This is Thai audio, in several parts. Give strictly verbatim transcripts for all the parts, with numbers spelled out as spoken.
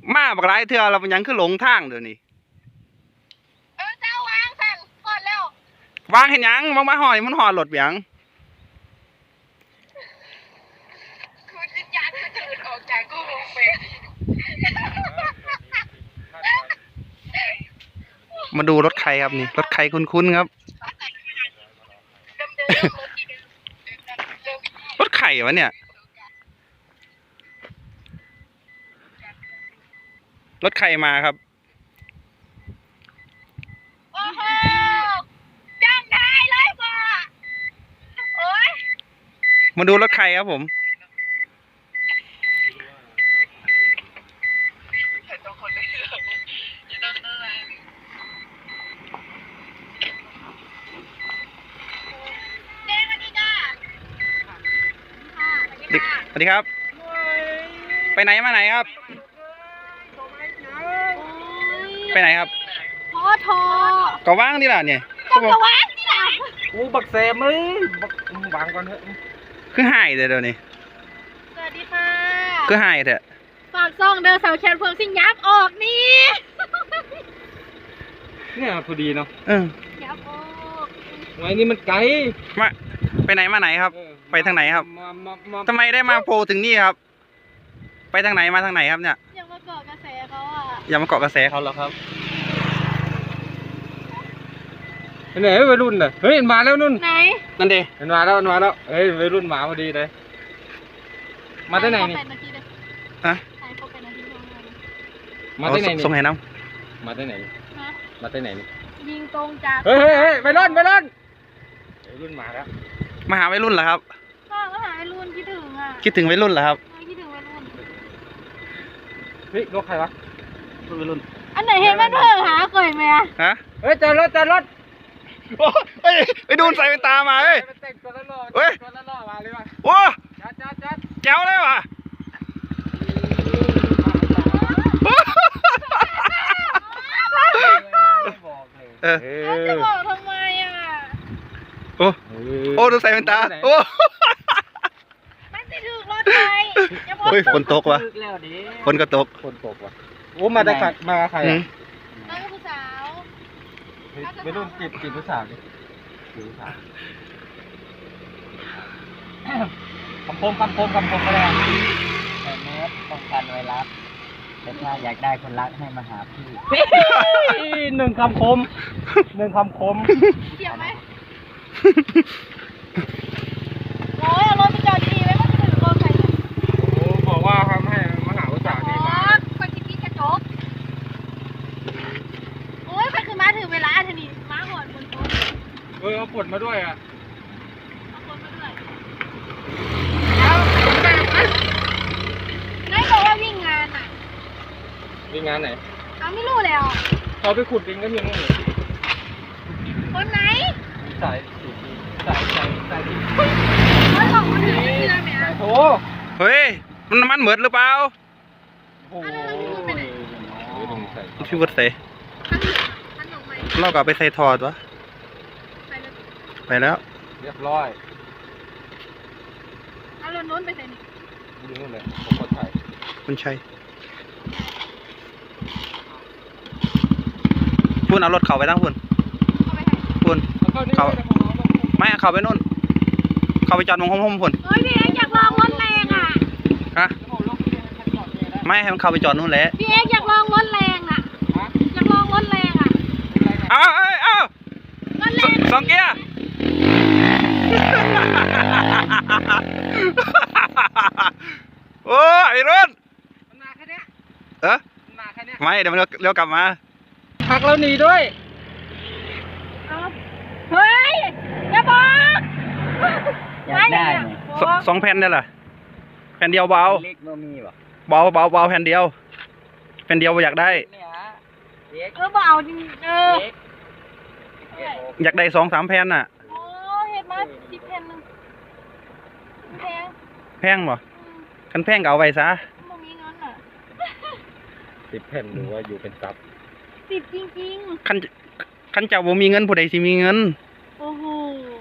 มาบักหลายเทื่อเราเป็นยังคือหลงทางเดี๋ยวนี้เออเจ้าวางสั่นกดแล้ววางเห็นยังวางมาหอยมันหอดรถยังคือวิญญาณมันจะหลุดออกจากกูลงไปมาดูรถใครครับนี่รถใครคุ้นๆครับรถไข่วะเนี่ยรถไข่มาครับโอ้โหจังได้เลยบ่โอ้ยมาดูรถไข่ครับผมสวัสดีครับไปไหนมาไหนครับไปไหนครับพอทอก็ว่างนี่แหละเนี่ยก็ว่างนี่แหละโอ้บักแซมเอ้ยบักวางก่อนเถอะคือหายเดี๋ยวนี้สวัสดีค่ะคือหายเถอะฝากซ่องเดินสาวแคนเพิ่งสิยับออกนี่เนี่ยพอดีเนาะเออยับออกไว้นี่มันไกลมาไปไหนมาไหนครับไปทางไหนครับทำไมได้มาโผล่ถึงนี่ครับไปทางไหนมาทางไหนครับเนี่ยยังมาเกาะกระแสเขาอ่ะยังมาเกาะกระแสเขาเหรอครับไหนวัยรุ่นน่ะเฮ้ยมาแล้วนุ่นไหนนั่นดิมันมาแล้วมันมาแล้วเฮ้ยวัยรุ่นมาพอดีเลยมาที่ไหนนี่ฮะมาที่ไหนนี่ส่งให้น้ำมาที่ไหนมาที่ไหนนี่ยิงตรงจากเฮ้ยเฮ้ยวัยรุ่นวัยรุ่นวัยรุ่นมาแล้วมาหาวัยรุ่นเหรอครับก็มาหาวัยรุ่นคิดถึงอ่ะคิดถึงวัยรุ่นเหรอครับคิดถึงวัยรุ่นเฮ้ยรถใครวะรถวัยรุ่นอันไหนเห็นมันเพิ่งหาเคยไหมอะฮะเฮ้ยจอดรถจอดรถโอ้ยไปดูใส่เป็นตามาเฮ้ยเฮ้ยตัวละล้อมาเลยว่ะโอ้จัดจัดจัดแจ๋วเลยว่ะเออจะบอกทำไมอ่ะโอ้โอ้ดูใส่เป็นตาโอ้ไม่ได้ถึงรถไฟเฮ้ยฝนตกวะฝนก็ตกฝนตกวะโอ้มาได้ใครมาใครอ่ะน้องผู้สาวไม่รุ่นจีบจีบผู้สาวดิจีบผู้สาวคำคมคำคมคำคมก็ได้แต่เนื้อป้องกันไวรัสแต่ถ้าอยากได้คนรักให้มาหาพี่หนึ่งคำคมหนึ่งคำคมเกี่ยวไหมโอ้ยรถไปจอดดีไหมมันถึงรถไฟโอ้บอกว่าทำให้มาหาผู้สาวนี่มาคนที่พี่กระจกโอ้ยมันคือมาถึงเวลาเธอนี่มาหอดบนรถเออเอาปวดมาด้วยอ่ะเอาปวดมาด้วยแล้วนายบอกว่าวิ่งงานอ่ะวิ่งงานไหนเขาไม่รู้แล้วเขาไปขุดดินก็ยังไม่คนไหนสายสีสายสายสายสีเขาหลอกคนอื่นไม่เชื่อไหมอ่ะโอ้เฮ้ยมันมันเหมือนหรือเปล่าโอ้ยพี่วัดเสเรากลับไปใส่ถอดวะไปแล้วเรียบร้อยเอารถนู้นไปใส่นี่ดูนู่นเลยผมคนไทยคุณชัยพุ่นเอารถเขาไปตั้งพุ่นพุ่นเขาไม่เขาไปนู่นเขาไปจอดมองห้องพุ่นเฮ้ยพี่เอ็กอยากลองรถแรงอ่ะฮะไม่ให้มันเข้าไปจอดนู่นแหละพี่เอ็กอยากลองรถแรงอ่ะอยากลองรถแรงอ่ะอ้าวอ้าวรถแรงสองเกียร์โอ้ยไอ้รุ่นมันมาแค่นี้เออมาแค่นี้ไม่เดี๋ยวมันเลี้ยวกลับมาหักแล้วหนีด้วยเฮ้ยอย่าบอกอยากได้สองแผ่นได้เหรอแผ่นเดียวเบาเล็กโนมีวะเบาเบาเบาแผ่นเดียวแผ่นเดียวอยากได้เออเบาจริงเอออยากได้สองสามแผ่นน่ะโอ้เห็นไหมสิบแผ่นนึงแพงแพงบ่คันแพงก็เอาไว้ซะบ่มีเงินอ่ะสิบแผ่นหรือว่าอยู่เป็นซับสิบจริงๆคันคันเจ้าบ่มีเงินผู้ใดสิมีเงินโอ้โห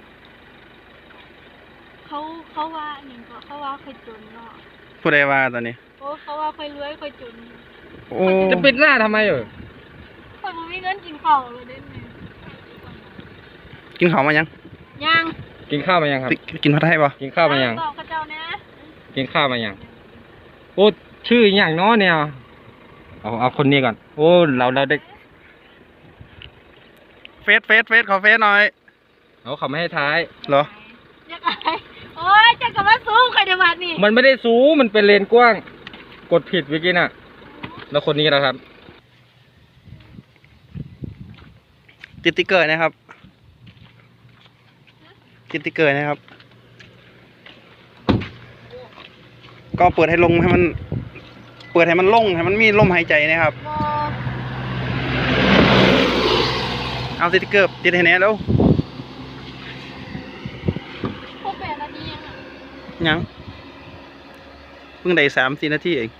เขาเขาว่าอย่างก็เขาว่าเคยจนเนาะผู้ใดว่าตอนนี้โอ้เขาว่าเคยรวยเคยจนโอ้จะปิดหน้าทำไมเออคนบ่มีเงินกินข้าวเลยได้ไหมกินข้าวมายังยังกินข้าวมายังครับกินผัดไทยป่ะกินข้าวมายังตอบกับเจ้านะกินข้าวมายังโอ้ชื่ออย่างน้อเนี่ยเอาเอาคนนี้ก่อนโอ้เราเราได้เฟสเฟสเฟสขอเฟสหน่อยเอาเขาไม่ให้ท้ายเหรออยากอะไรโอ้ยจะกลับมาสู้ใครเดี๋ยวบาดนี่มันไม่ได้สูงมันเป็นเลนกว้าง กดผิดเมื่อกี้น่ะ แล้วคนนี้นะครับติดติ๊กเกอร์นะครับติดติ๊กเกอร์นะครับ ก็เปิดให้ลงให้มัน เปิดให้มันลงให้มันมีลมหายใจนะครับบอเอาสติ๊กเกอร์ติดให้แน่แล้วพวกแปดนาทียังอ่ะยังเพิ่งได้สามสี่นาทีเอง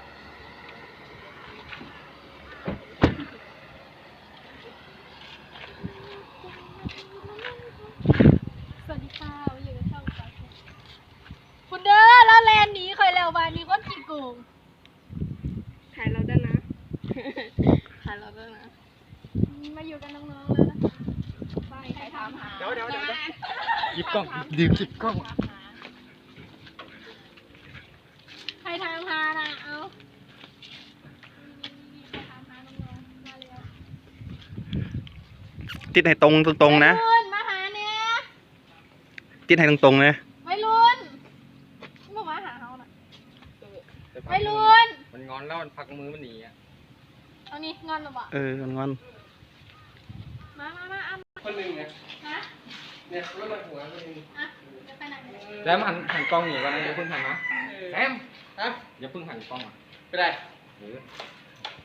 สวัสดีค่ะวันอยู่กับช่องสาวคุณเด้อแล้วแลนหนีเคยแล้วบาดนี้ก็กี่โกงขายเราด้วยนะ ขายเราด้วยนะ มาอยู่กันน้องๆแล้วนะไปใครถามหาเดี๋ยวเดี๋ยวเดี๋ยว หยิบกล้องลืมหยิบกล้องใครถามหานะเอาใครถามหาน้องๆมาเร็วติดให้ตรงตรงๆนะวัยรุ่นมาหาเนี่ยติดให้ตรงตรงๆนะวัยรุ่นมึงมาหาเขาน่ะวัยรุ่นมันงอนแล้วมันพักมือมันหนีอ่ะเอานี่งอนหรือเปล่าเอองอนมามามาเอาคนหนึ่งเนี่ยฮะเนี่ยรถมาหัวคนหนึ่งอ่ะจะไปไหนเนี่ยแล้วหันหันกล้องหนีก่อนนะอย่าเพิ่งหันนะแซมครับอย่าเพิ่งหันกล้องอ่ะไม่ได้